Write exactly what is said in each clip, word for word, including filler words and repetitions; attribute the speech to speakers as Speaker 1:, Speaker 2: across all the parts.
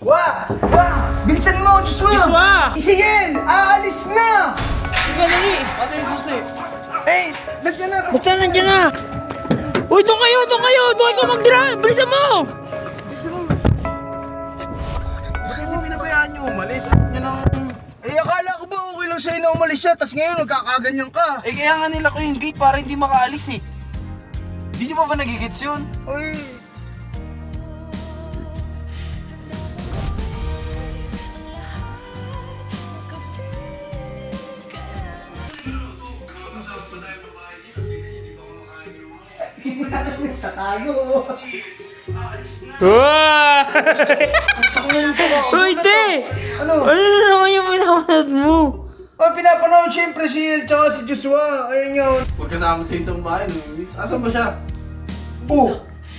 Speaker 1: Wah! Wah! Bilisan mo, Joshua!
Speaker 2: Joshua!
Speaker 1: Isigel! Aalis na!
Speaker 2: Sige, dali.
Speaker 3: Asa yung susi?
Speaker 1: Eh, nandiyan na!
Speaker 2: Basta nandiyan na. Uy, doon kayo, doon kayo. Doon kayo mag-drive. Bilisan mo.
Speaker 3: Kasi pinabayaan nyo umalis. At nyo nang...
Speaker 1: Eh, akala ko ba okay lang sa'yo na umalis siya, tas ngayon nagkakaganyan ka.
Speaker 3: Eh kaya nga nila ko yung gate para hindi makaalis eh. Hindi nyo pa ba nagigits yun?
Speaker 1: Uy! Sa tayo!
Speaker 2: Wow! Uy, te!
Speaker 1: Ano?
Speaker 2: Ano na naman yung pinapanood mo?
Speaker 1: Oh, pinapanood siyempre si El tsaka si Joshua. Ayun yun.
Speaker 3: Magkasama sa isang bahay, lumis. Asan ba siya?
Speaker 1: Oh!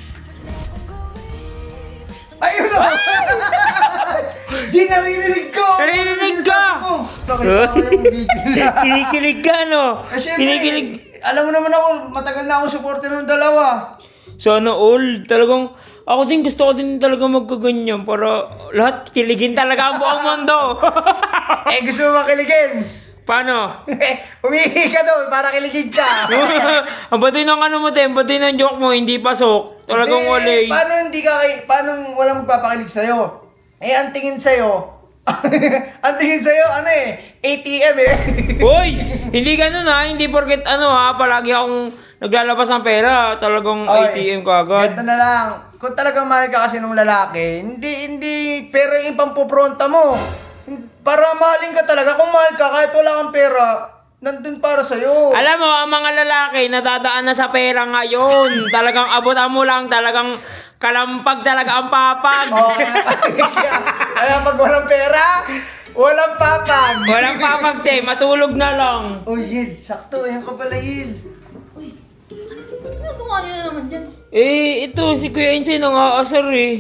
Speaker 1: Ayun na! G, naririnig ko!
Speaker 2: Naririnig ka!
Speaker 1: Nakita ko yung video niya.
Speaker 2: Kinikilig ka, no?
Speaker 1: Eh, syempre,
Speaker 2: Kinikilig.
Speaker 1: alam mo naman ako, matagal na ako supporter ng dalawa.
Speaker 2: Sana all. Talagang, ako din gusto ko din talaga magkaganyan para lahat kiligin talaga ang buong mundo.
Speaker 1: Eh, gusto mo makiligin?
Speaker 2: Paano?
Speaker 1: Umihi ka doon para kiligin ka.
Speaker 2: Ang batoy ng ano mo, te. Ang batoy ng joke mo, hindi pasok. Talagang
Speaker 1: Hindi,
Speaker 2: wala eh.
Speaker 1: Paano hindi ka kay... Paano walang magpapakilig sa'yo? Eh, ang tingin sa'yo... ang tingin sa'yo, ano eh? A T M eh.
Speaker 2: Hoy! Hindi ganun ha. Hindi porket ano ha. Palagi akong naglalabas ng pera. Talagang A T M ka agad.
Speaker 1: Ganito na lang. Kung talagang mahal ka kasi ng lalaki, hindi, hindi pera yung pampupronta mo. Para mahalin ka talaga. Kung mahal ka, kahit wala kang pera, nandun para sa'yo.
Speaker 2: Alam mo, ang mga lalaki nadadaan na sa pera ngayon. Talagang abutan mo lang. Talagang kalampag talaga ang papag.
Speaker 1: Oo, kaya, kaya pag walang pera, walang papag.
Speaker 2: Walang papag, te. Matulog na lang.
Speaker 1: Uy, Yil, sakto. Ayan ka pala, Yil.
Speaker 4: Uy, ano ginagawa niyo na naman dyan?
Speaker 2: Eh, ito, si Kuya Insay nang-aasar eh.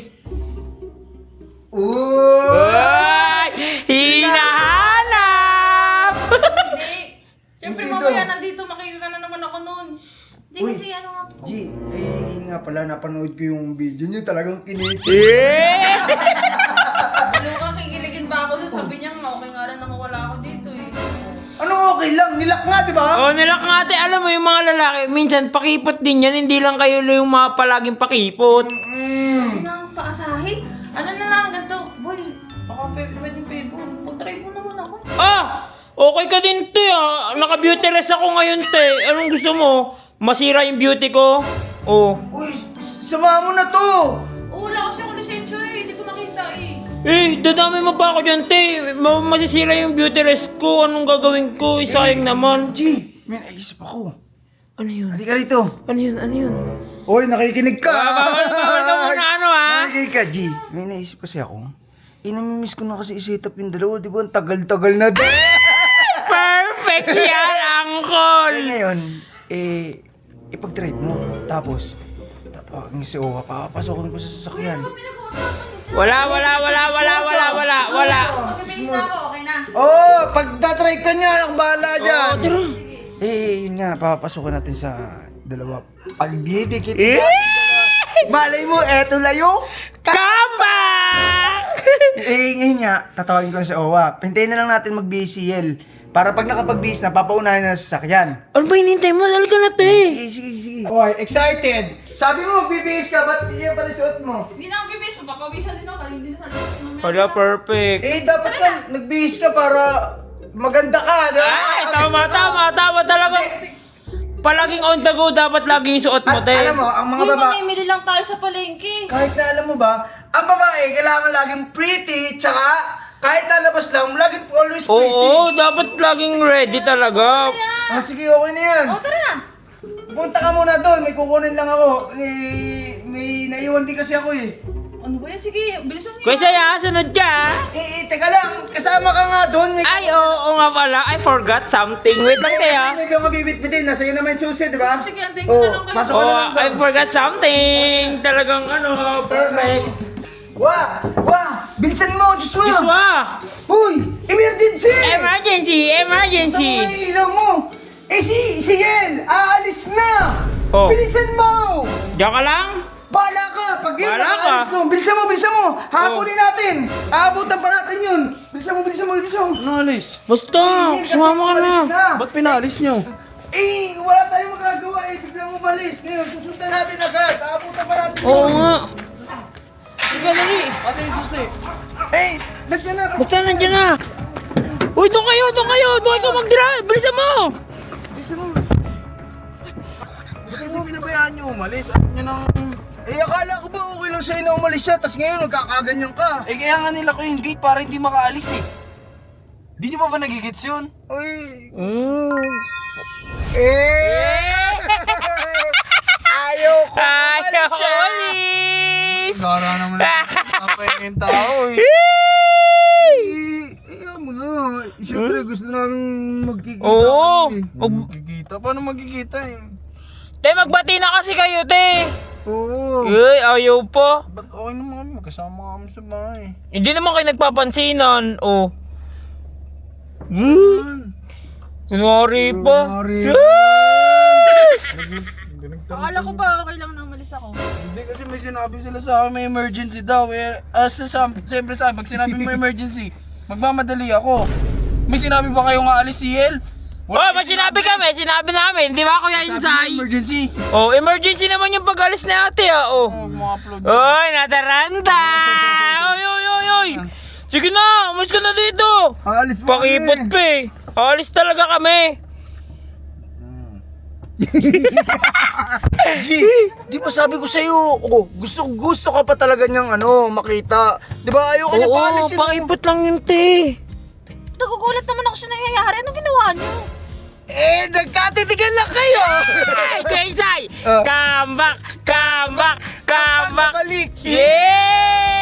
Speaker 1: Uy!
Speaker 2: Ay! Hinahanap!
Speaker 4: Hindi. Siyempre
Speaker 1: Hindi
Speaker 4: mamaya
Speaker 1: daw.
Speaker 4: nandito makikita na naman ako noon. Hindi
Speaker 1: Uy,
Speaker 4: kasi ano nga po.
Speaker 1: G, eh nga pala, napanood ko yung video niyo, talagang kinikip.
Speaker 2: eh!
Speaker 4: Ano ka, kikiligin ba ako doon? Sabi niya nga, okay nga rin nakawala ako dito eh.
Speaker 1: Ano okay lang, nilak nga, di ba?
Speaker 2: Oh, nilak nga ate, alam mo yung mga lalaki, minsan pakipot din yan, hindi lang kayo yung mga palaging pakipot.
Speaker 1: Mm.
Speaker 4: Ano na ang paasahin? Ano na lang, ganito. Boy, baka pe- pwede pwede po. Putry mo naman ako.
Speaker 2: Ah! Okay ka din, te, ah. Naka-beauty rest ako ngayon, te. Anong gusto mo? Masira yung beauty ko? Oh.
Speaker 1: Uy, sama mo na to!
Speaker 4: Oh, wala kasi ako lisensya eh. Hindi ko makita eh.
Speaker 2: Eh, dadami mo pa ako dyan, te. Ma- masisira yung beauty rest ko. Anong gagawin ko? Isayang naman.
Speaker 1: G, may naisip ako.
Speaker 2: Ano yun?
Speaker 1: Halika rito.
Speaker 2: Ano yun? Ano yun?
Speaker 1: Uy, nakikinig ka!
Speaker 2: Ah, bawal, bawal ka muna, ano, ha?
Speaker 1: Nakikinig ka, G. May naisip kasi ako. Eh, namimiss ko na kasi i-set up yung dalawa, di ba? Ang tagal-tagal na din.
Speaker 2: Perfect yan,
Speaker 1: Eh,
Speaker 2: uncle!
Speaker 1: ngayon, eh, ipag-trade mo. Tapos, tatawagin si Owa, papapasokin ko sa sasakyan.
Speaker 2: Wala, wala, wala, wala, wala, wala, wala.
Speaker 4: Pag-finish na ako, okay na.
Speaker 1: Oh, pag tatrade ka niya, ako bahala dyan.
Speaker 2: Oh, tara.
Speaker 1: Eh, yun nga, papapasukin natin sa dalawa. Pag didikit
Speaker 2: Eh!
Speaker 1: ka, malay mo, eto na yung...
Speaker 2: Come back!
Speaker 1: Eh, ngayon nga, tatawagin ko na si Owa. Hintayin na lang natin mag-B C L. Para pag nakapag-base na, papaunahin na sa sasakyan.
Speaker 2: Ano ba hinintay mo? Dahil ka na, te.
Speaker 1: Sige, sige, sige. Oy, excited! Sabi mo, mag-B-base ka, ba't yan pala suot mo?
Speaker 4: Hindi na ako bibis. Mapapawisan din ako. Hindi na sa mamaya.
Speaker 2: Wala, perfect.
Speaker 1: Eh, dapat ka, nag-base ka para maganda ka, di ba?
Speaker 2: Ay, tama, tama, tama talaga. Palaging on the go, dapat laging suot mo,
Speaker 1: At
Speaker 2: te.
Speaker 1: alam mo, ang mga
Speaker 4: Uy,
Speaker 1: baba...
Speaker 4: mamimili lang tayo sa palengke.
Speaker 1: Kahit na alam mo ba, ang babae, kailangan laging pretty, tsaka kahit lalabas lang, laging always pretty.
Speaker 2: Oo, dapat laging ready talaga.
Speaker 1: Ah, sige, okay na yan.
Speaker 4: Oh, tara na.
Speaker 1: Punta ka muna doon, may kukunin lang ako. Eh, may naiwan din kasi ako eh.
Speaker 4: Ano ba yan? Sige, bilisan niyo.
Speaker 2: Kuya Saya, sunod ka.
Speaker 1: Eh, eh, teka lang, kasama ka nga doon. May
Speaker 2: Ay, oo nga pala. I forgot something. Wait lang, te, ah.
Speaker 1: May mga bibit-bitin, nasa iyo naman yung susi, di ba?
Speaker 4: Sige, antayin ko na lang kayo.
Speaker 1: pasok ka na
Speaker 2: Oh,
Speaker 1: lang
Speaker 2: I
Speaker 1: doon.
Speaker 2: forgot something. Talagang ano, perfect.
Speaker 1: Wah! Wah! Bilisan mo, Joshua!
Speaker 2: Joshua!
Speaker 1: Uy! Emergency!
Speaker 2: Emergency! Emergency!
Speaker 1: Saan ang ilaw mo? Eh si, si Yel! Aalis na!
Speaker 2: Oh.
Speaker 1: Bilisan mo!
Speaker 2: Diyan ka lang?
Speaker 1: Bahala ka! Pag game
Speaker 2: Wala
Speaker 1: na
Speaker 2: ka.
Speaker 1: alis ko. Bilisan mo, bilisan mo. Habulin natin. Aabutan pa natin yun. Bilisan mo, bilisan mo, bilisan mo.
Speaker 3: Ano alis?
Speaker 2: Basta,
Speaker 1: Sige, kasi
Speaker 2: sumama ka na.
Speaker 1: umalis na.
Speaker 3: Ba't pinalis nyo?
Speaker 1: Eh, wala tayong magagawa eh. Biglang umalis. Ngayon, susundan natin agad. Aabutan pa natin
Speaker 2: Oo
Speaker 1: yun.
Speaker 2: nga. Sige, dali.
Speaker 3: Ate yung susi.
Speaker 1: Eh, nandiyan na.
Speaker 2: Basta nandiyan na. Uy, doon kayo, doon kayo. Doon kayo mag-drive. Bilisan mo.
Speaker 1: Bilisan mo.
Speaker 3: Ba't kasi pinabayaan nyo umalis? At nyo nang...
Speaker 1: Eh, akala ko ba okay lang sa'yo na umalis siya, tapos ngayon nagkakaganyan ka.
Speaker 3: Eh kaya nga nila ko yung gate para hindi makaalis eh. Di nyo pa ba nagigits yun?
Speaker 1: Uy.
Speaker 2: Mm.
Speaker 1: Eh! Ayaw ko
Speaker 2: Ayaw
Speaker 1: umalis siya.
Speaker 2: umalis.
Speaker 3: Gara naman ang yung tao eh.
Speaker 1: Eh, ayaw mo na. Eh, Siyempre, gusto namin magkikita
Speaker 2: Oo.
Speaker 1: kami.
Speaker 2: Mag-
Speaker 3: Magkikita? Paano magkikita eh?
Speaker 2: te, magbati na kasi kayo, te.
Speaker 1: Oo.
Speaker 2: Uy, ayaw pa.
Speaker 3: Ba't okay naman kami? Magkasama kami sa bahay.
Speaker 2: Hindi naman kayo nagpapansinan. Oh.
Speaker 3: Hmm.
Speaker 2: Kunwari pa.
Speaker 1: Kunwari.
Speaker 2: Sus!
Speaker 4: Akala ko ba okay lang na umalis ako?
Speaker 3: Hindi kasi may sinabi sila sa akin may emergency daw eh. As sa siyempre sa akin, pag sinabi mo emergency, magmamadali ako. May sinabi ba kayong aalis si El?
Speaker 2: Oh, may sinabi kami, sinabi namin. Di ba, Kuya Insay?
Speaker 3: Emergency.
Speaker 2: Oh, emergency naman yung pag-alis ni ate, ah. Oh.
Speaker 3: Oh, mga-upload.
Speaker 2: Oy, nataranta! Oy, oy, oy, oy! Sige na, umalis ka na dito!
Speaker 1: Aalis pa
Speaker 2: Pakipot
Speaker 1: kami.
Speaker 2: pa eh. Alis talaga kami.
Speaker 1: G, di ba sabi ko sa'yo, oh, gusto gusto ka pa talaga niyang ano, makita. Di ba ayaw ka niya
Speaker 2: Oo,
Speaker 1: paalisin.
Speaker 2: pakipot lang yun, te.
Speaker 4: Nagugulat naman ako sa nangyayari. Anong ginawa niyo?
Speaker 1: Eh, nagkatitigan lang kayo.
Speaker 2: Ay, Kuya Insay!
Speaker 1: Ah.
Speaker 2: Come back! Come back! Come back!
Speaker 1: Balik.
Speaker 2: Yeah!